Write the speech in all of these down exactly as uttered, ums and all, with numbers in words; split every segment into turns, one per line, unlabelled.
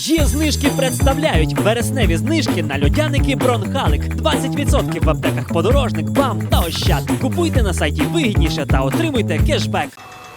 Є-знижки представляють вересневі знижки на льодяники Бронхалик. двадцять відсотків в аптеках Подорожник, БАМ та Ощад. Купуйте на сайті вигідніше та отримуйте кешбек.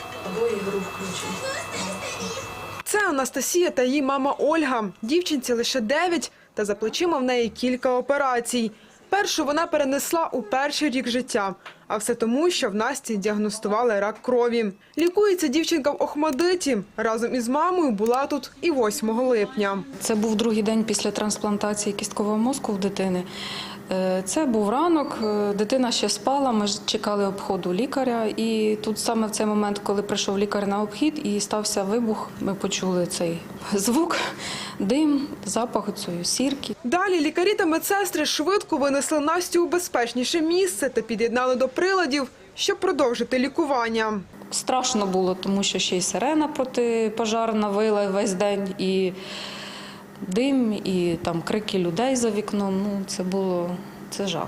Це Анастасія та її мама Ольга. Дівчинці лише дев'ять, та за плечима в неї кілька операцій. Першу вона перенесла у перший рік життя. А все тому, що в Насті діагностували рак крові. Лікується дівчинка в Охмадиті. Разом із мамою була тут і восьмого липня.
Це був другий день після трансплантації кісткового мозку в дитини. Це був ранок, дитина ще спала, ми чекали обходу лікаря. І тут саме в цей момент, коли прийшов лікар на обхід і стався вибух, ми почули цей звук, дим, запах цієї сірки.
Далі лікарі та медсестри швидко винесли Настю у безпечніше місце та під'єднали до приладів, щоб продовжити лікування.
Страшно було, тому що ще й сирена протипожарна вила весь день, і дим, і там крики людей за вікном. Ну, це було, це жах.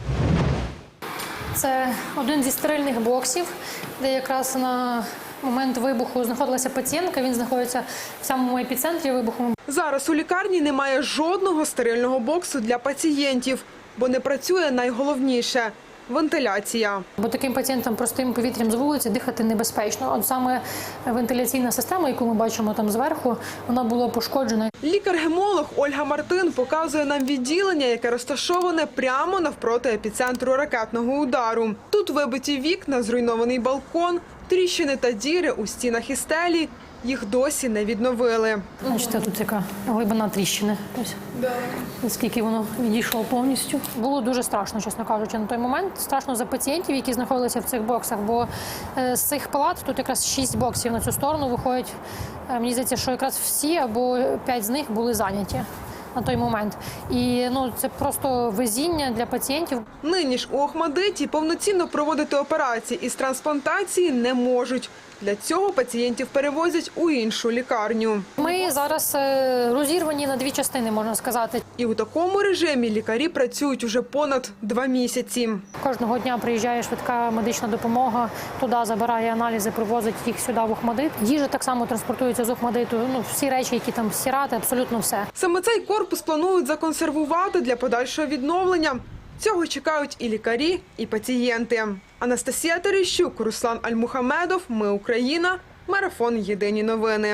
Це один зі стерильних боксів, де якраз на момент вибуху знаходилася пацієнтка. Він знаходиться в самому епіцентрі вибуху.
Зараз у лікарні немає жодного стерильного боксу для пацієнтів, бо не працює найголовніше – вентиляція.
Бо таким пацієнтам простим повітрям з вулиці дихати небезпечно. От саме вентиляційна система, яку ми бачимо там зверху, вона була пошкоджена.
Лікар-гемолог Ольга Мартин показує нам відділення, яке розташоване прямо навпроти епіцентру ракетного удару. Тут вибиті вікна, зруйнований балкон, тріщини та діри у стінах і стелі. Їх досі не відновили.
Бачите, тут яка глибина тріщини. Ось. Наскільки воно відійшло повністю. Було дуже страшно, чесно кажучи, на той момент. Страшно за пацієнтів, які знаходилися в цих боксах, бо з цих палат тут якраз шість боксів на цю сторону виходять. Мені здається, що якраз всі або п'ять з них були зайняті на той момент. І ну, це просто везіння для пацієнтів.
Нині ж у Охмадиті повноцінно проводити операції із трансплантації не можуть. Для цього пацієнтів перевозять у іншу лікарню.
Ми зараз розірвані на дві частини, можна сказати.
І у такому режимі лікарі працюють уже понад два місяці.
Кожного дня приїжджає швидка медична допомога, туди забирає аналізи, привозить їх сюди в Охмадит. Їжа так само транспортується з Охмадиту. Ну, всі речі, які там стирати, абсолютно все.
Саме цей корпус планують законсервувати для подальшого відновлення. Цього чекають і лікарі, і пацієнти. Анастасія Терещук, Руслан Альмухамедов. Ми Україна. Марафон. Єдині новини.